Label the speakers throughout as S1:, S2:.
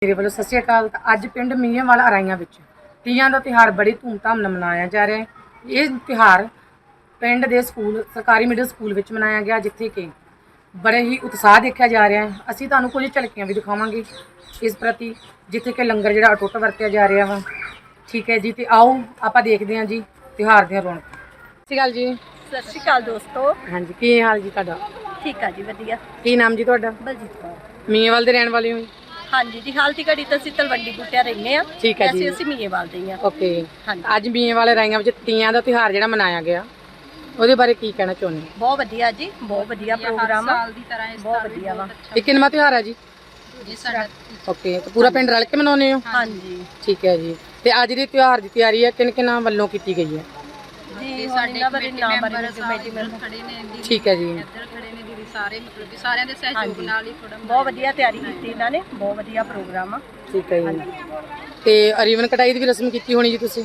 S1: ਮੇਰੇ ਵੱਲੋਂ ਸਤਿ ਸ਼੍ਰੀ ਅਕਾਲ। ਅੱਜ ਪਿੰਡ ਮੀਆਂਵਾਲਾ ਅਰਾਈਆਂ ਵਿੱਚ ਤੀਆਂ ਦਾ ਤਿਉਹਾਰ ਬੜੀ ਧੂਮਧਾਮ ਨਾਲ ਮਨਾਇਆ ਜਾ ਰਿਹਾ ਹੈ। ਇਹ ਤਿਉਹਾਰ ਪਿੰਡ ਦੇ ਸਕੂਲ ਸਰਕਾਰੀ ਮਿਡਲ ਸਕੂਲ ਵਿੱਚ ਮਨਾਇਆ ਗਿਆ, ਜਿੱਥੇ ਕਿ ਬੜੇ ਹੀ ਉਤਸ਼ਾਹ ਦੇਖਿਆ ਜਾ ਰਿਹਾ ਹੈ। ਅਸੀਂ ਤੁਹਾਨੂੰ ਕੁਝ ਝਲਕੀਆਂ ਵੀ ਦਿਖਾਵਾਂਗੇ ਇਸ ਪ੍ਰਤੀ, ਜਿੱਥੇ ਕਿ ਲੰਗਰ ਜਿਹੜਾ ਅਟੁੱਟ ਵਰਤਿਆ ਜਾ ਰਿਹਾ ਵਾ। ਠੀਕ ਹੈ ਜੀ, ਤੇ ਆਓ ਆਪਾਂ ਦੇਖਦੇ ਹਾਂ ਜੀ ਤਿਉਹਾਰ ਦੀਆਂ ਰੌਣਕਾਂ। ਸਤਿ ਸ਼੍ਰੀ ਅਕਾਲ ਜੀ।
S2: ਸਤਿ ਸ਼੍ਰੀ ਅਕਾਲ ਦੋਸਤੋ।
S1: ਹਾਂਜੀ, ਕੀ ਹਾਲ ਜੀ ਤੁਹਾਡਾ?
S2: ਠੀਕ ਆ ਜੀ, ਵਧੀਆ।
S1: ਕੀ ਨਾਮ ਜੀ ਤੁਹਾਡਾ?
S2: ਬਲਜੀਤ ਕੌਰ।
S1: ਮੀਆਂਵਾਲ ਦੇ ਰਹਿਣ ਵਾਲੇ ਹੋ?
S2: ਹਾਂਜੀ ਜੀ, ਹਾਲ ਦੀ ਘੜੀ ਤਾਂ ਅਸੀਂ ਤਲਵੰਡੀ ਬੂਟਿਆ ਰਹਿੰਦੇ ਆ।
S1: ਠੀਕ ਹੈ ਜੀ।
S2: ਅਸੀਂ ਮੀਆਂਵਾਲ ਦੇ ਆ।
S1: ਓਕੇ।
S2: ਹਾਂਜੀ।
S1: ਅੱਜ ਮੀਆਂਵਾਲ ਅਰਾਈਆਂ ਵਿੱਚ ਤੀਆਂ ਦਾ ਤਿਉਹਾਰ ਜਿਹੜਾ ਮਨਾਇਆ ਗਿਆ, ਉਹਦੇ ਬਾਰੇ ਕੀ ਕਹਿਣਾ ਚਾਹੁੰਦੇ?
S2: ਬਹੁਤ ਵਧੀਆ ਜੀ, ਬਹੁਤ ਵਧੀਆ ਪ੍ਰੋਗਰਾਮ ਆ। ਬਹੁਤ ਵਧੀਆ ਵਾ।
S1: ਇਹ ਕਿੰਨਵਾਂ ਤਿਉਹਾਰ ਹੈ ਜੀ? ਓਕੇ, ਤੇ ਪੂਰਾ ਪਿੰਡ ਰਲ ਕੇ ਮਨਾਉਂਦੇ ਹੋ?
S2: ਹਾਂਜੀ।
S1: ਠੀਕ ਹੈ ਜੀ। ਤੇ ਅੱਜ ਦੇ ਤਿਉਹਾਰ ਦੀ ਤਿਆਰੀ ਹੈ ਕਿਹਨਾਂ ਵੱਲੋਂ ਕੀਤੀ ਗਈ ਹੈ?
S2: ਜੀ ਸਾਡੇ ਕਮੇਟੀ ਮੈਂਬਰ
S3: ਖੜੇ ਨੇ ਜੀ।
S1: ਠੀਕ ਹੈ ਜੀ।
S3: ਇੱਧਰ ਖੜੇ ਨੇ ਦੀਦੀ, ਸਾਰੇ ਮਤਲਬ ਕਿ ਸਾਰਿਆਂ ਦੇ ਸਹਿਯੋਗ ਨਾਲ ਹੀ ਥੋੜਾ
S2: ਬਹੁਤ ਵਧੀਆ ਤਿਆਰੀ ਕੀਤੀ ਇਹਨਾਂ ਨੇ। ਬਹੁਤ ਵਧੀਆ ਪ੍ਰੋਗਰਾਮ ਆ।
S1: ਠੀਕ ਹੈ ਜੀ। ਤੇ ਰੀਵਨ ਕਟਾਈ ਦੀ ਵੀ ਰਸਮ ਕੀਤੀ ਹੋਣੀ ਜੀ ਤੁਸੀਂ?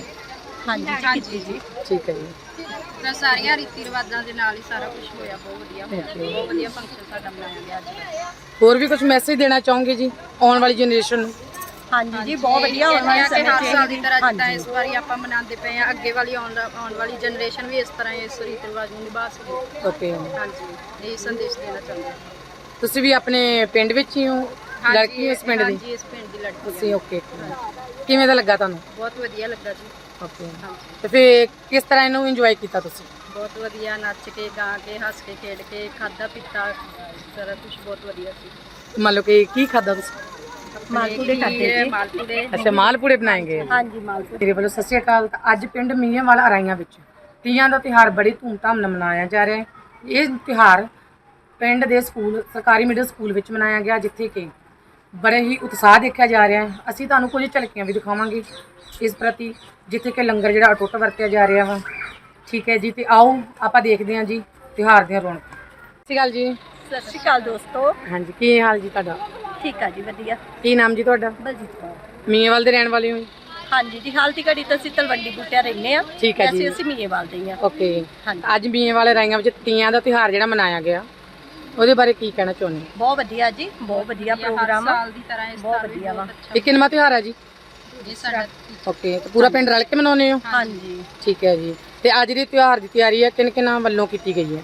S2: ਹਾਂਜੀ ਕੀਤੀ ਜੀ।
S1: ਠੀਕ ਹੈ ਜੀ।
S3: ਤਾਂ ਸਾਰੀਆਂ ਰੀਤੀ ਰਿਵਾਜਾਂ ਦੇ ਨਾਲ ਹੀ ਸਾਰਾ ਕੁਝ ਹੋਇਆ। ਬਹੁਤ ਵਧੀਆ ਬਹੁਤ ਵਧੀਆ ਫੰਕਸ਼ਨ ਸਾਡਾ ਮਨਾਇਆ ਗਿਆ ਅੱਜ।
S1: ਹੋਰ ਵੀ ਕੁਝ ਮੈਸੇਜ ਦੇਣਾ ਚਾਹੋਗੇ ਜੀ ਆਉਣ ਵਾਲੀ ਜਨਰੇਸ਼ਨ ਨੂੰ?
S2: ਹਾਂਜੀ ਜੀ, ਬਹੁਤ ਵਧੀਆ ਹੋਣ ਵਾਲੇ ਸਮੇਂ
S3: ਹਰ ਸਾਲ ਦੀ ਤਰ੍ਹਾਂ ਜਿੱਦਾਂ
S2: ਹਾਂਜੀ
S3: ਇਸ ਵਾਰੀ ਆਪਾਂ ਮਨਾਉਂਦੇ ਪਏ ਆ, ਅੱਗੇ ਵਾਲੀ ਆਉਣ ਵਾਲੀ ਜਨਰੇਸ਼ਨ ਵੀ ਇਸ ਤਰ੍ਹਾਂ ਇਸ ਰੀਤੀ ਰਿਵਾਜ ਨੂੰ ਨਿਭਾ ਸਕੇ।
S1: ਓਕੇ।
S3: ਹਾਂਜੀ, ਇਹ ਸੰਦੇਸ਼ ਦੇਣਾ ਚਾਹੁੰਦੇ ਹਾਂ।
S1: ਤੁਸੀਂ ਵੀ ਆਪਣੇ ਪਿੰਡ ਵਿੱਚ ਹੀ ਹੋ? ਲੜਕੀ ਇਸ ਪਿੰਡ ਦੀ?
S3: ਹਾਂਜੀ, ਇਸ ਪਿੰਡ ਦੀ ਲੜਕੀ
S1: ਤੁਸੀਂ? ਓਕੇ। ਕਿਵੇਂ ਦਾ ਲੱਗਾ ਤੁਹਾਨੂੰ?
S3: ਬਹੁਤ ਵਧੀਆ ਲੱਗਾ ਜੀ।
S1: ਓਕੇ।
S3: ਹਾਂਜੀ,
S1: ਤੇ ਫਿਰ ਕਿਸ ਤਰ੍ਹਾਂ ਇਹਨੂੰ ਇੰਜੋਏ ਕੀਤਾ ਤੁਸੀਂ?
S3: ਬਹੁਤ ਵਧੀਆ, ਨੱਚ ਕੇ ਗਾ ਕੇ ਹੱਸ ਕੇ ਖੇਡ ਕੇ ਖਾਦਾ ਪੀਤਾ, ਸਾਰਾ ਕੁਝ ਬਹੁਤ ਵਧੀਆ ਸੀ।
S1: ਮੰਨ ਲਓ ਕਿ ਕੀ ਖਾਦਾ ਤੁਸੀਂ?
S2: ਮਾਲਪੂੜੇ ਖਾਦੇ ਜੀ।
S3: ਮਾਲਪੂੜੇ।
S1: ਅੱਛਾ, ਮਾਲਪੂੜੇ ਬਣਾਏ ਗਏ।
S2: ਹਾਂਜੀ, ਮਾਲਪੂੜੇ।
S1: ਮੇਰੇ ਵੱਲੋਂ ਸਤਿ ਸ਼੍ਰੀ ਅਕਾਲ। ਅੱਜ ਪਿੰਡ ਮੀਆਂਵਾਲਾ ਅਰਾਈਆਂ ਵਿੱਚ ਤੀਆਂ ਦਾ ਤਿਉਹਾਰ ਬੜੀ ਧੂਮਧਾਮ ਨਾਲ ਮਨਾਇਆ ਜਾ ਰਿਹਾ ਹੈ। ਇਹ ਤਿਉਹਾਰ ਪਿੰਡ ਦੇ ਸਕੂਲ ਸਰਕਾਰੀ ਮਿਡਲ ਸਕੂਲ ਵਿੱਚ ਮਨਾਇਆ ਗਿਆ, ਜਿੱਥੇ ਕਿ ਬੜੇ ਹੀ ਉਤਸ਼ਾਹ ਦੇਖਿਆ ਜਾ ਰਿਹਾ ਹੈ। ਅਸੀਂ ਤੁਹਾਨੂੰ ਕੁਝ ਝਲਕੀਆਂ ਵੀ ਦਿਖਾਵਾਂਗੇ ਇਸ ਪ੍ਰਤੀ, ਜਿੱਥੇ ਕਿ ਲੰਗਰ ਜਿਹੜਾ ਅਟੁੱਟ ਵਰਤਿਆ ਜਾ ਰਿਹਾ ਵਾ। ਠੀਕ ਹੈ ਜੀ, ਤੇ ਆਓ ਆਪਾਂ ਦੇਖਦੇ ਹਾਂ ਜੀ ਤਿਉਹਾਰ ਦੀਆਂ ਰੌਣਕਾਂ। ਸਤਿ ਸ਼੍ਰੀ ਅਕਾਲ ਜੀ।
S2: ਸਤਿ ਸ਼੍ਰੀ ਅਕਾਲ ਦੋਸਤੋ।
S1: ਹਾਂਜੀ, ਕੀ ਹਾਲ ਜੀ ਤੁਹਾਡਾ?
S2: ਠੀਕ ਆ ਜੀ, ਵਧੀਆ।
S1: ਕੀ ਨਾਮ ਜੀ ਤੁਹਾਡਾ?
S2: ਬਲਜੀਤ ਕੌਰ।
S1: ਮੀਆਂਵਾਲ ਦੇ ਰਹਿਣ ਵਾਲੇ ਹੋ?
S2: ਹਾਂਜੀ ਜੀ, ਹਾਲ ਦੀ ਘੜੀ ਤਾਂ ਅਸੀਂ ਤਲਵੰਡੀ ਬੂਟਿਆ ਰਹਿੰਦੇ ਆ।
S1: ਠੀਕ ਹੈ ਜੀ।
S2: ਅਸੀਂ ਮੀਆਂਵਾਲ ਦੇ ਆ।
S1: ਓਕੇ।
S2: ਹਾਂਜੀ।
S1: ਅੱਜ ਮੀਆਂਵਾਲ ਅਰਾਈਆਂ ਵਿੱਚ ਤੀਆਂ ਦਾ ਤਿਉਹਾਰ ਜਿਹੜਾ ਮਨਾਇਆ ਗਿਆ, ਉਹਦੇ ਬਾਰੇ ਕੀ ਕਹਿਣਾ ਚਾਹੁੰਦੇ?
S2: ਬਹੁਤ ਵਧੀਆ ਜੀ, ਬਹੁਤ ਵਧੀਆ ਪ੍ਰੋਗਰਾਮ ਆ।
S3: ਸਾਲ ਦੀ ਤਰ੍ਹਾਂ ਇਸ
S2: ਬਹੁਤ
S3: ਸਾਲ ਵੀ
S2: ਵਧੀਆ ਵਾ।
S1: ਇਹ ਕਿੰਨਵਾਂ ਤਿਉਹਾਰ ਹੈ ਜੀ?
S3: ਇਹ ਸਾਡਾ
S1: ਓਕੇ, ਤੇ ਪੂਰਾ ਪਿੰਡ ਰਲ ਕੇ ਮਨਾਉਂਦੇ ਹੋ?
S2: ਹਾਂਜੀ
S1: ਠੀਕ ਹੈ ਜੀ। ਤੇ ਅੱਜ ਦੇ ਤਿਉਹਾਰ ਦੀ ਤਿਆਰੀ ਹੈ ਕਿਹਨਾਂ ਵੱਲੋਂ ਕੀਤੀ ਗਈ ਹੈ?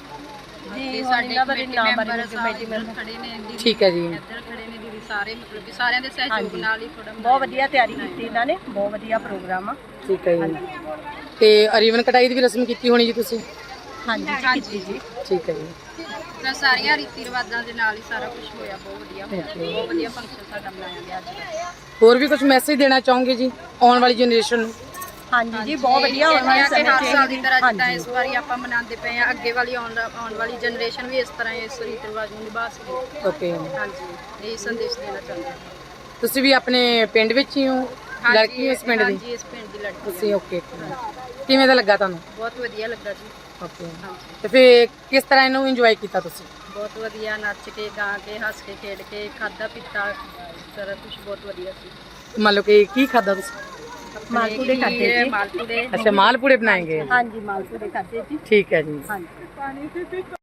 S2: ਜੀ
S3: ਸਾਡੇ
S2: ਸਾਡੇ
S3: ਕਮੇਟੀ
S2: ਮੈਂਬਰ
S3: ਮੈਂਬਰ ਖੜੇ ਨੇ ਜੀ।
S1: ਠੀਕ ਹੈ ਜੀ।
S3: ਇੱਧਰ ਖੜੇ ਨੇ ਦੀਦੀ, ਸਾਰੇ ਮਤਲਬ ਕਿ ਸਾਰਿਆਂ ਦੇ ਸਹਿਯੋਗ ਨਾਲ ਹੀ ਥੋੜਾ
S2: ਬਹੁਤ ਵਧੀਆ ਤਿਆਰੀ ਕੀਤੀ ਇਹਨਾਂ ਨੇ। ਬਹੁਤ ਵਧੀਆ ਪ੍ਰੋਗਰਾਮ ਆ।
S1: ਠੀਕ ਹੈ ਜੀ। ਤੇ ਰੀਵਨ ਕਟਾਈ ਦੀ ਵੀ ਰਸਮ ਕੀਤੀ ਹੋਣੀ ਜੀ ਤੁਸੀਂ?
S2: ਹਾਂਜੀ ਕੀਤੀ ਜੀ।
S1: ਠੀਕ ਹੈ ਜੀ।
S3: ਤਾਂ ਸਾਰੀਆਂ ਰੀਤੀ ਰਿਵਾਜਾਂ ਦੇ ਨਾਲ ਹੀ ਸਾਰਾ ਕੁਝ ਹੋਇਆ। ਬਹੁਤ ਵਧੀਆ ਬਹੁਤ ਵਧੀਆ ਫੰਕਸ਼ਨ ਸਾਡਾ ਮਨਾਇਆ ਗਿਆ ਅੱਜ।
S1: ਹੋਰ ਵੀ ਕੁਝ ਮੈਸੇਜ ਦੇਣਾ ਚਾਹੋਗੇ ਜੀ ਆਉਣ ਵਾਲੀ ਜਨਰੇਸ਼ਨ ਨੂੰ?
S2: ਹਾਂਜੀ ਜੀ, ਬਹੁਤ ਵਧੀਆ ਹੋਣ ਵਾਲੇ ਸਮੇਂ
S3: ਹਰ ਸਾਲ ਦੀ ਤਰ੍ਹਾਂ ਜਿੱਦਾਂ ਇਸ ਵਾਰੀ ਆਪਾਂ ਮਨਾਉਂਦੇ ਪਏ ਆ, ਅੱਗੇ ਵਾਲੀ ਆਉਣ ਵਾਲੀ ਜਨਰੇਸ਼ਨ ਵੀ ਇਸ ਤਰ੍ਹਾਂ ਇਸ ਰੀਤੀ ਰਿਵਾਜ ਨੂੰ ਨਿਭਾ ਸਕੇ।
S1: ਓਕੇ।
S3: ਹਾਂਜੀ, ਇਹ ਸੰਦੇਸ਼ ਦੇਣਾ ਚਾਹੁੰਦੇ ਹਾਂ।
S1: ਤੁਸੀਂ ਵੀ ਆਪਣੇ ਪਿੰਡ ਵਿੱਚ ਹੀ ਹੋ? ਲੜਕੀ ਇਸ ਪਿੰਡ ਦੀ?
S3: ਹਾਂਜੀ, ਇਸ ਪਿੰਡ ਦੀ ਲੜਕੀ ਹਾਂ।
S1: ਤੁਸੀਂ? ਓਕੇ। ਕਿਵੇਂ ਦਾ ਲੱਗਾ ਤੁਹਾਨੂੰ?
S3: ਬਹੁਤ ਵਧੀਆ ਲੱਗਾ ਜੀ।
S1: ਓਕੇ।
S3: ਹਾਂਜੀ,
S1: ਤੇ ਫਿਰ ਕਿਸ ਤਰ੍ਹਾਂ ਇਹਨੂੰ ਇੰਜੋਏ ਕੀਤਾ ਤੁਸੀਂ?
S3: ਬਹੁਤ ਵਧੀਆ, ਨੱਚ ਕੇ ਗਾ ਕੇ ਹੱਸ ਕੇ ਖੇਡ ਕੇ ਖਾਦਾ ਪੀਤਾ, ਸਾਰਾ ਕੁਝ ਬਹੁਤ ਵਧੀਆ ਸੀ।
S1: ਮੰਨ ਲਓ ਕਿ ਕੀ ਖਾਦਾ ਤੁਸੀਂ?
S2: ਮਾਲਪੂੜੇ ਖਾਦੇ ਜੀ।
S3: ਮਾਲਪੂੜੇ।
S1: ਅੱਛਾ, ਮਾਲਪੂੜੇ ਬਣਾਏ ਗਏ।
S2: ਹਾਂਜੀ, ਮਾਲਪੂੜੇ ਖਾਦੇ ਜੀ।
S1: ਠੀਕ ਹੈ ਜੀ।
S2: ਹਾਂਜੀ।